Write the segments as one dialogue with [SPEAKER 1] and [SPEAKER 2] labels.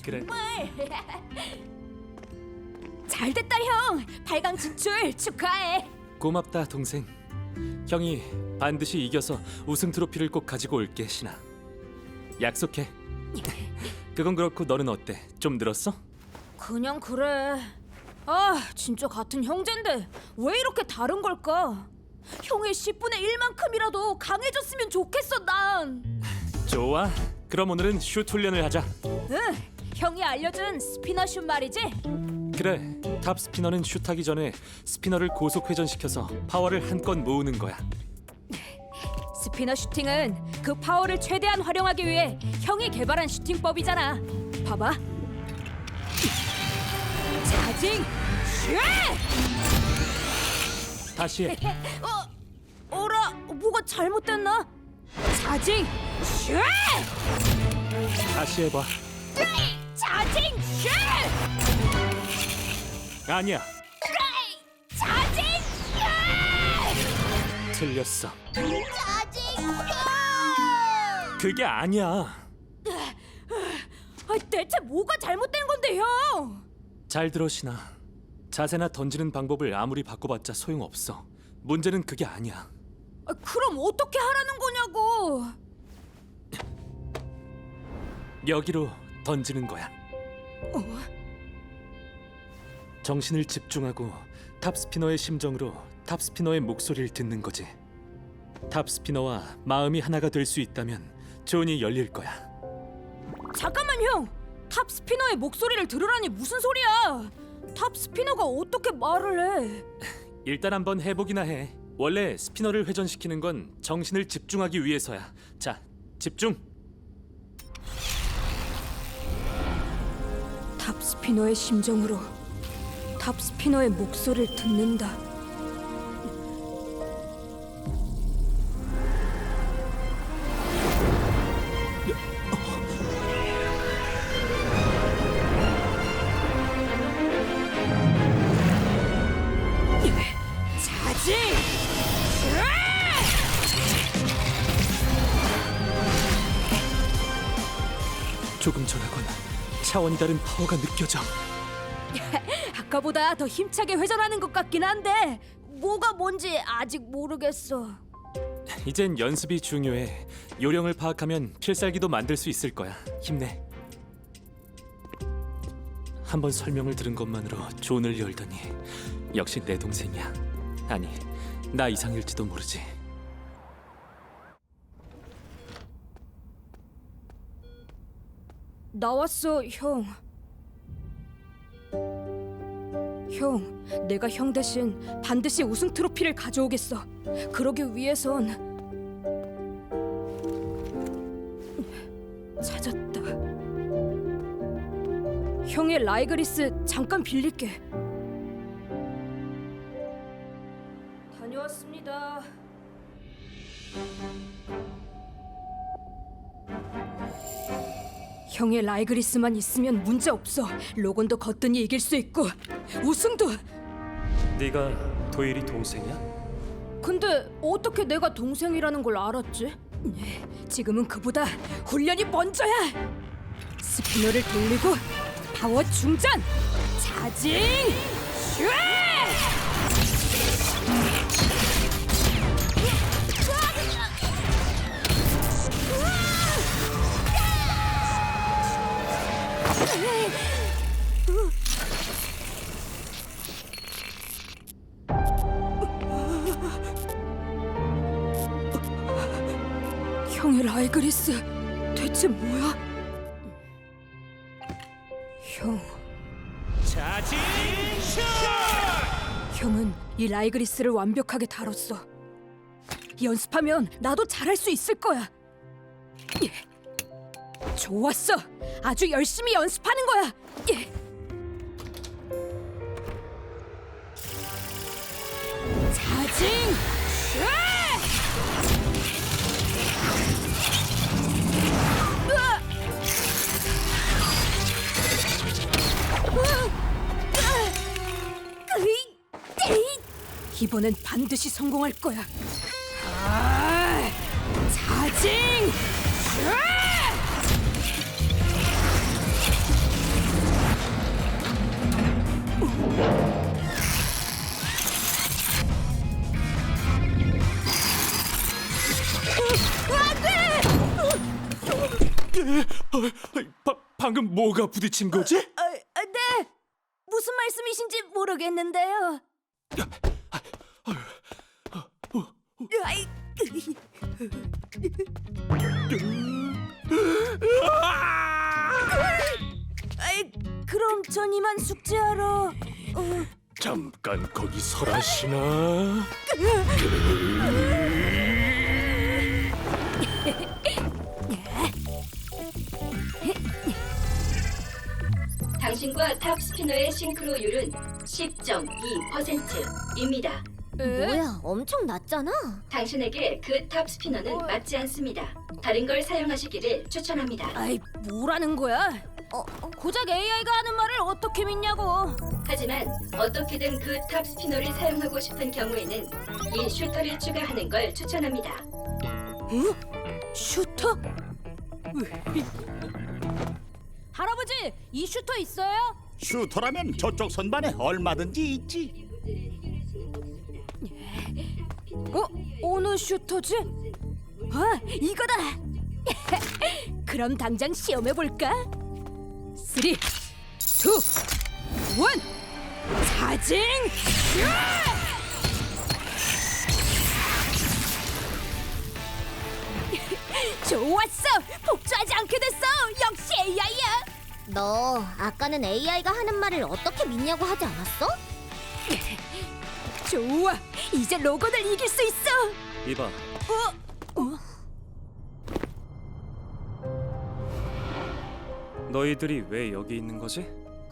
[SPEAKER 1] 그래.
[SPEAKER 2] 잘됐다 형. 8강 진출 축하해.
[SPEAKER 1] 고맙다 동생. 형이 반드시 이겨서 우승 트로피를 꼭 가지고 올게 신아. 약속해. 그건 그렇고 너는 어때? 좀 늘었어?
[SPEAKER 2] 그냥 그래. 아 진짜 같은 형제인데 왜 이렇게 다른 걸까? 형의 10분의 1만큼이라도 강해졌으면 좋겠어 난.
[SPEAKER 1] 좋아. 그럼 오늘은 슛 훈련을 하자.
[SPEAKER 2] 응. 형이 알려준 스피너 슛 말이지.
[SPEAKER 1] 그래. 탑 스피너는 슛하기 전에 스피너를 고속 회전시켜서 파워를 한껏 모으는 거야.
[SPEAKER 2] 스피너 슈팅은 그 파워를 최대한 활용하기 위해 형이 개발한 슈팅법이잖아. 봐봐. 자징 슈!
[SPEAKER 1] 다시 해.
[SPEAKER 2] 어라 뭐가 잘못됐나? 자징 슈!
[SPEAKER 1] 다시 해봐.
[SPEAKER 2] 자징 슈!
[SPEAKER 1] 아니야.
[SPEAKER 2] 자징
[SPEAKER 1] 틀렸어.
[SPEAKER 2] 자징
[SPEAKER 1] 그게 아니야.
[SPEAKER 2] 아, 대체 뭐가 잘못된 건데 형?
[SPEAKER 1] 잘 들어 신아. 자세나 던지는 방법을 아무리 바꿔봤자 소용없어. 문제는 그게 아니야.
[SPEAKER 2] 아, 그럼 어떻게 하라는 거냐고?
[SPEAKER 1] 여기로 던지는 거야. 정신을 집중하고 탑스피너의 심정으로 탑스피너의 목소리를 듣는 거지. 탑스피너와 마음이 하나가 될 수 있다면 존이 열릴 거야.
[SPEAKER 2] 잠깐만 형! 탑 스피너의 목소리를 들으라니 무슨 소리야? 탑 스피너가 어떻게 말을 해?
[SPEAKER 1] 일단 한번 해보기나 해. 원래 스피너를 회전시키는 건 정신을 집중하기 위해서야. 자, 집중!
[SPEAKER 2] 탑 스피너의 심정으로 탑 스피너의 목소리를 듣는다. 자지!
[SPEAKER 1] 조금 전하건 차원이 다른 파워가 느껴져.
[SPEAKER 2] 아까보다 더 힘차게 회전하는 것 같긴 한데 뭐가 뭔지 아직 모르겠어.
[SPEAKER 1] 이젠 연습이 중요해. 요령을 파악하면 필살기도 만들 수 있을 거야. 힘내. 한번 설명을 들은 것만으로 존을 열더니 역시 내 동생이야. 아니, 나 이상일지도 모르지.
[SPEAKER 2] 나왔어, 형. 형, 내가 형 대신 반드시 우승 트로피를 가져오겠어. 그러기 위해선 찾았다. 형의 라이그리스 잠깐 빌릴게. 다녀왔습니다. 형의 라이그리스만 있으면 문제 없어. 로건도 거뜬히 이길 수 있고 우승도.
[SPEAKER 1] 네가 도일이 동생이야?
[SPEAKER 2] 근데 어떻게 내가 동생이라는 걸 알았지? 지금은 그보다 훈련이 먼저야. 스피너를 돌리고 파워 충전. 자징 슈! 형의 라이그리스 대체 뭐야? 형,
[SPEAKER 1] 자진 슛!
[SPEAKER 2] 형은 이 라이그리스를 완벽하게 다뤘어. 연습하면 나도 잘할 수 있을 거야. 좋았어. 아주 열심히 연습하는 거야. 자징 슈! 이번엔 반드시 성공할 거야. 자징 슈!
[SPEAKER 1] 방금 뭐가 부딪힌 거지?
[SPEAKER 2] 네. 무슨 말씀이신지 모르겠는데요. 아이, 아이, 그럼 전 이만 숙제하러.
[SPEAKER 1] 잠깐 거기 설하시나?
[SPEAKER 3] 당신과 탑 스피너의 싱크로율은 10.2%입니다.
[SPEAKER 4] 뭐야, 엄청 낮잖아.
[SPEAKER 3] 당신에게 그 탑 스피너는 맞지 않습니다. 다른 걸 사용하시기를 추천합니다.
[SPEAKER 2] 아이, 뭐라는 거야? 고작 AI가 하는 말을 어떻게 믿냐고.
[SPEAKER 3] 하지만 어떻게든 그 탑 스피너를 사용하고 싶은 경우에는 이 슈터를 추가하는 걸 추천합니다.
[SPEAKER 2] 슈터? 할아버지, 이 슈터 있어요?
[SPEAKER 5] 슈터라면 저쪽 선반에 얼마든지 있지.
[SPEAKER 2] 어느 슈터지? 이거다. 그럼 당장 시험해 볼까? 3, 2, 1, 사징! 좋았어! 복주하지 않게 됐어! 역시 AI야!
[SPEAKER 4] 너 아까는 AI가 하는 말을 어떻게 믿냐고 하지 않았어?
[SPEAKER 2] 좋아! 이제 로건을 이길 수 있어!
[SPEAKER 1] 이봐, 너희들이 왜 여기 있는 거지?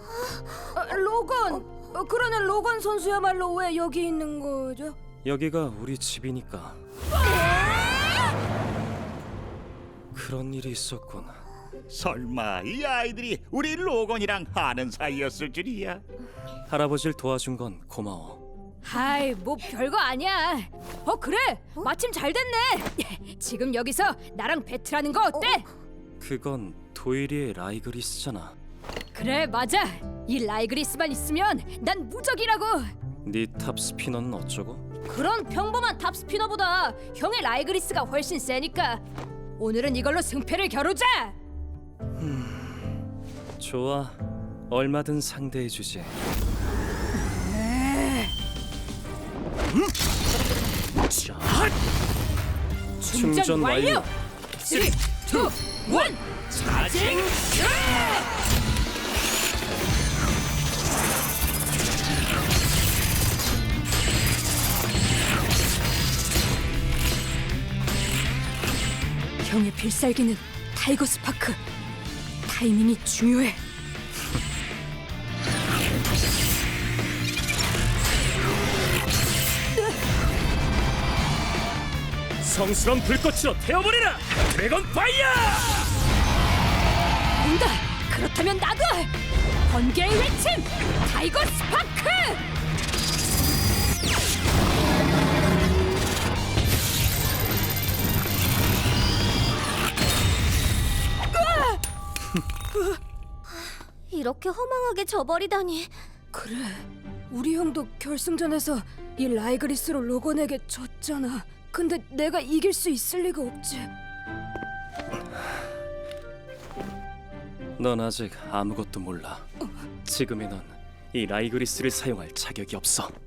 [SPEAKER 2] 로건! 그러는 로건 선수야말로 왜 여기 있는 거죠?
[SPEAKER 1] 여기가 우리 집이니까. 그런 일이 있었군.
[SPEAKER 5] 설마 이 아이들이 우리 로건이랑 아는 사이였을 줄이야.
[SPEAKER 1] 할아버지를 도와준 건 고마워.
[SPEAKER 2] 아이, 뭐 별거 아니야. 그래! 마침 잘 됐네! 지금 여기서 나랑 배틀하는 거 어때?
[SPEAKER 1] 그건 도일이의 라이그리스잖아.
[SPEAKER 2] 그래, 맞아! 이 라이그리스만 있으면 난 무적이라고!
[SPEAKER 1] 네 탑 스피너는 어쩌고?
[SPEAKER 2] 그런 평범한 탑 스피너보다 형의 라이그리스가 훨씬 세니까 오늘은 이걸로 승패를 겨루자!
[SPEAKER 1] 좋아, 얼마든 상대해주지. 충전 완료!
[SPEAKER 2] 3, 2, 1, 사징! 형의 필살기는 타이거 스파크. 타이밍이 중요해.
[SPEAKER 1] 성스러운 불꽃으로 태워버리라! 드래곤 파이어!
[SPEAKER 2] 온다! 그렇다면 나도! 번개의 외침! 타이거 스파크!
[SPEAKER 4] 이렇게 허망하게 져버리다니.
[SPEAKER 2] 그래, 우리 형도 결승전에서 이 라이그리스로 로건에게 졌잖아. 근데 내가 이길 수 있을 리가 없지.
[SPEAKER 1] 넌 아직 아무것도 몰라. 지금의 넌 이 라이그리스를 사용할 자격이 없어.